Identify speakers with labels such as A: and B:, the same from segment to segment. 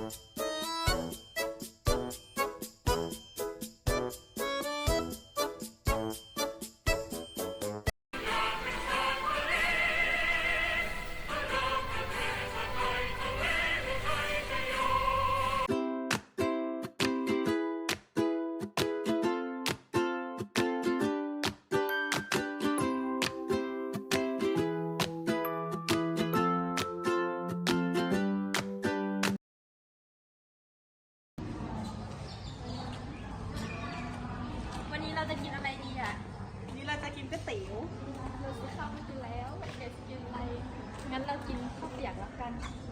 A: เราจะกินอะไรดีอ่ะ
B: นี่เราจะกินก๋วยเตี๋ยว
A: เราซื้อข้าวมากินแล้วเดี๋ยวจะกินอะไรงั้นเรากินข้าวเปียกแล้วกัน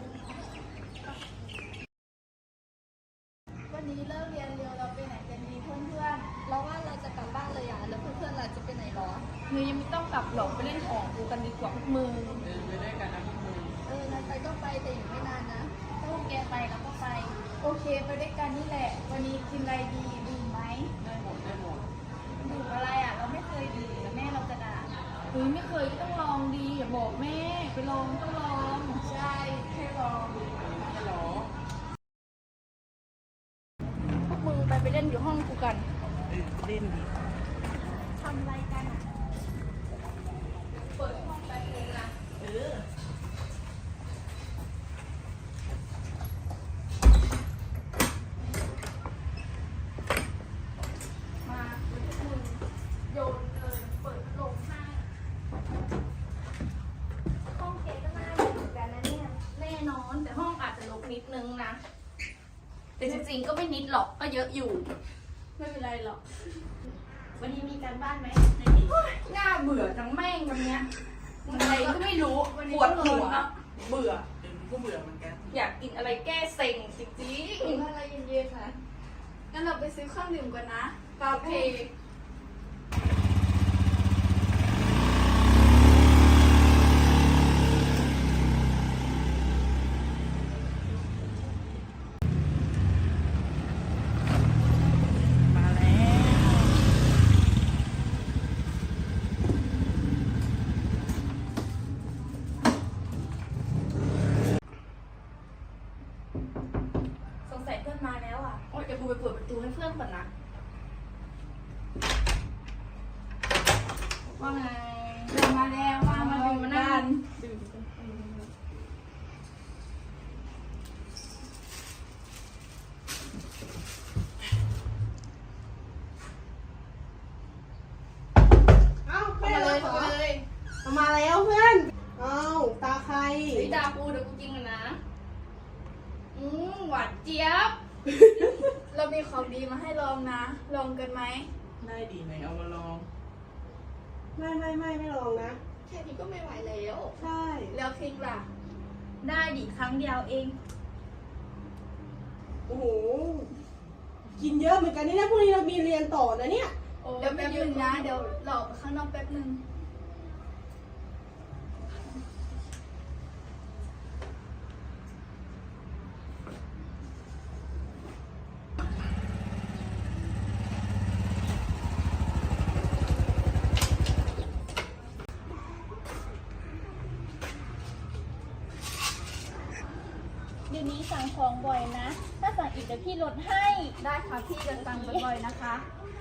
A: วันนี้เลิกเรียนเร็วเราไปไหนกันดีเพื่อนๆเราว่าเราจะกลับบ้านเลยอ่ะแล้วเพื่อนๆเราจะไปไหนหรอ
B: ยังไม่ต้องกลับหรอกไปเล่นของดูกันดีกว่าพวกมึง
C: ไปได้กันนะพวกมึง
A: งั้นไปก็ไปแต่อยู่ไม่นานนะถ้าพวกแกไปเราก็ไป
B: โอเคไปด้วยกันนี่แหละวันนี้กินอะไรดีดื่มไหม
C: ได้หมด
A: ดื่มอะไรอ่ะเราไม่เคยดื่มแล้วแม่เราจะด่า
B: ไม่เคยก็ต้องลองดีอย่าบอกแม่ไปลองต้องลอง
A: ใช่แค่ลอง
C: ฮัลโหล
B: พวกมึงไปเล่นอยู่ห้องกูกัน
C: เล่นดี
A: ทำอะไรกันอ่ะ
B: เปิดห้องไปเองนะมาคุณโยนเลยเปิดลงให้
A: ห้องเก๋ก็น่าอยู่เหมือนกันนะเนี่ย
B: แน่นอนแต่ห้องอาจจะรกนิดนึงนะแต่จริงๆก็ไม่นิดหรอกก็เยอะอยู่ไม่เป็นไรหรอก
A: วันนี้มีการบ้านไหม
B: น่าเบื่อทั้งแม่งกันเนี้ยอะไรก็ไม่รู้ปวดหัวเบื่อ
C: ก็เบื่อเหมือนกัน
B: อยากกินอะไรแก้เซ็งจริง
A: ๆอะไรเย็นๆค่ะงั้นเราไปซื้อเครื่องดื่มกันนะ
B: โอเค
A: สงสัยเพื่อนมาแล้วอ่ะ
B: โอ้ยเดี๋ยวกูไปเปิดประตูให้เพื่อนก่อนนะว่าไง
A: มาแล้วมาดูมานั่ง
B: มาเลย
D: มาแล้วเพื่อนตาใคร
B: ดาปูเดี๋ยวกูกินกันนะหวานเจี๊ยบ
A: เรามีของดีมาให้ลองนะลองกันไหม
C: ได้ดีไหนเอามาลอง
D: ไม่ลองนะ
A: แค่นี้ก็ไม่ไหวแล้ว
D: ใช่
A: แล้วคิงล่ะ
B: ได้ดิครั้งเดียวเอง
D: โอ้โหกินเยอะเหมือนกันนี่นะพรุ่งนี้เรามีเรียนต่อนะเนี่ย
A: เดี๋ยวแป๊บนึงนะเดี๋ยวหลอกไปข้างนอกแป๊บนึงเดี๋ยวนี้สั่งของบ่อยนะ ถ้าสั่งอีกเดี๋ยวพี่ลดให้ได้ค่ะพี่จะสั่งบ่อยๆนะคะ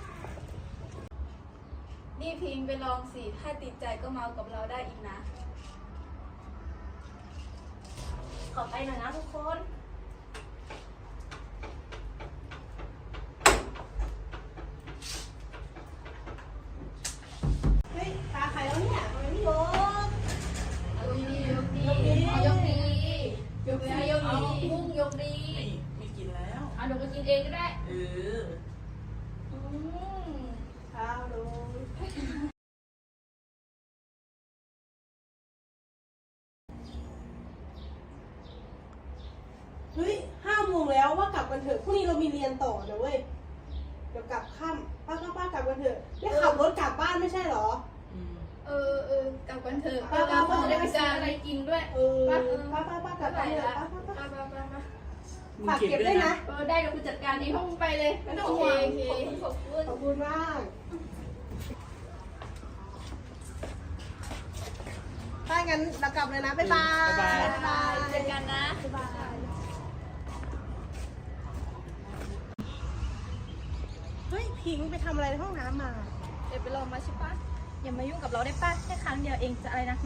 A: นี่พิงไปลองสิถ้าติดใจก็เมากับเราได้อีกนะ
B: ขอไปหน่อยนะทุกคน
D: เฮ้ยตาใครแล้วเนี่ยทำไมไม่ยก
B: พุ่งยกดี
C: ไม่กินแล้ว
B: เดี๋ยวก็กินเองก็ได้
D: ข้าวลงเฮ้ย5 โมงแล้วว่ากลับกันเถอะพรุ่งนี้เรามีเรียนต่อนะเว้ยเดี๋ยวกลับค่ำป้ากลับกันเถอะได้ขับรถกลับบ้านไม่ใช่หร
A: กลับกันเถอะ
B: ป้าจะได้ไปซื้ออะไรกินด้วย
D: ป้ากลับกันเถอะฝากเก็บด้วยนะ
B: ได้เดี๋ยวคุณจัดการในห้องไปเลยไม่ต้องห่วง
D: ขอบคุณมากถ้างั้นเรากลับเลยนะบ๊ายบาย
A: เจอกันนะบ๊ายบาย
D: พิงค์ไปทำอะไรในห้องน้ำมา
A: เดี๋ยวไปลองมาใช่ปะอย่ามายุ่งกับเราได้ปะแค่ครั้งเดียวเองจะอะไรนักหนา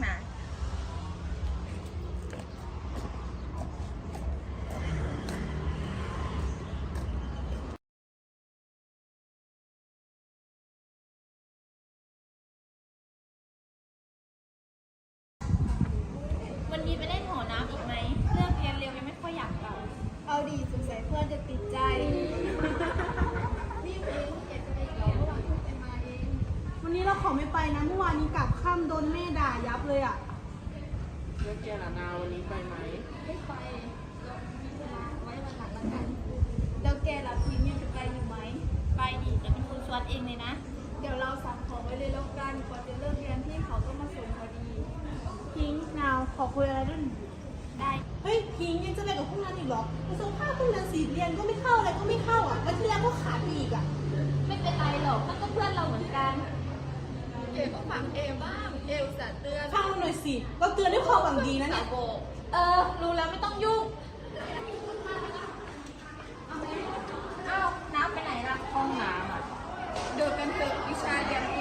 A: วันนี้ไปเล่นหอน้ำอีกไหมเลิกเรียนเร็วยังไม่ค่อยอยากกลับ
B: เอาดีสงสัยเพื่อนจะติดใจ
D: วันนี้เราขอไม่ไปนะเมื่อวานนี้กลับค่ำโดนแม่ด่ายับเลยอ่ะ
C: แล้วแกล่ะนาวันนี้ไปไหม
B: ไม่ไปมีเวลาไว้วันหลังละกัน แล้วแกล่ะพิมพ์ยังจะไปอยู่ไหม
A: ไปดิแต่เป็นคนชวนเองเลยนะ
B: เดี๋ยวเราสั่งของไว้เลยแล้วกันก่อนจะเลิกเรียนพี่เขาก็มาส่งพอดี
D: พิงค์นาวขอคุยอะไรด้วยหน่อย
A: ได้
D: เฮ้ยพิงค์ยังจะอะไรกับพวกนั้นอีกเหรอไปส่งภาพพวกนั้นสีเรียนก็ไม่เข้าอะไรก็ไม่เข้าอ่ะวันที่แล้วก็ขาดไปอีกอ่ะ
A: ไม่เป็นไรหรอกมันก็เพื่อนเราเหมือนกัน
B: เอก็ฟังเอบ้าง เออุตส่าห์เตือน
D: ฟังเราหน่อยสิ เราเตือนด้วยความหวังดีนะเนี่ย
A: รู้แล้วไม่ต้องยุ่งเอ้าน้ำไปไหนล่ะ
C: ห้องน้ำอ่ะ
B: เดินกันเถอะวิชาเรียนเอง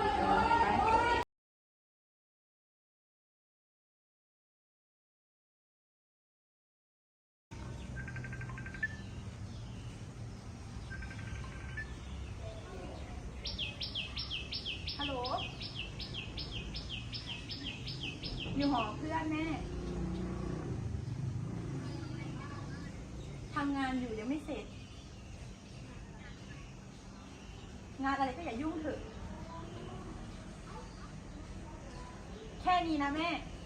A: ฮัลโหล อยู่หอเพื่อนแม่ ทำงานอยู่ยังไม่เสร็จ งานอะไรก็อย่ายุ่งเถอะ แค่นี้นะแม่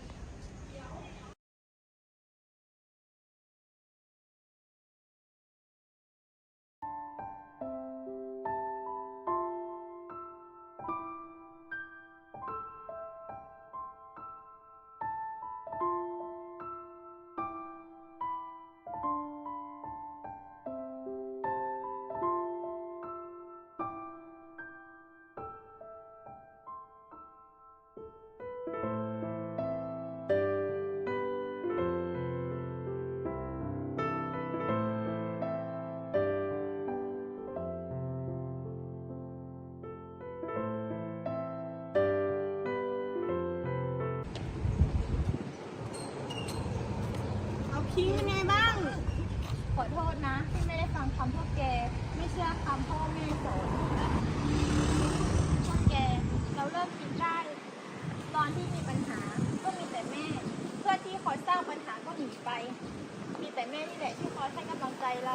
D: เอาพิงค์เป็นไงบ้าง
A: ขอโทษนะที่ไม่ได้ฟังคำพวกแก ไม่เชื่อคำพ่อแม่สอนพวกแกเราเลิกคิดได้ ตอนที่มีปัญหาก็มีแต่แม่ เพื่อนที่คอยสร้างปัญหาก็หนีไป มีแต่แม่นี่แหละที่คอยให้กำลังใจเรา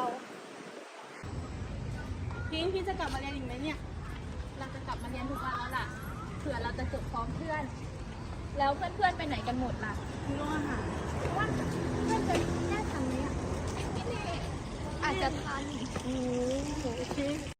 D: พิงค์จะกลับมาเรียนอีกไหมเนี่ย
A: เราจะกลับมาเรียนทุกวันแล้วล่ะเผื่อเราจะจบพร้อมเพื่อน แล้วเพื่อนๆไปไหนกันหมดล่ะ
D: มีโรงอาหาร
A: ว่าเพื่อนจะแน่ทันไหมอ่ะอาจจะทัน
D: โอ้โหโอเค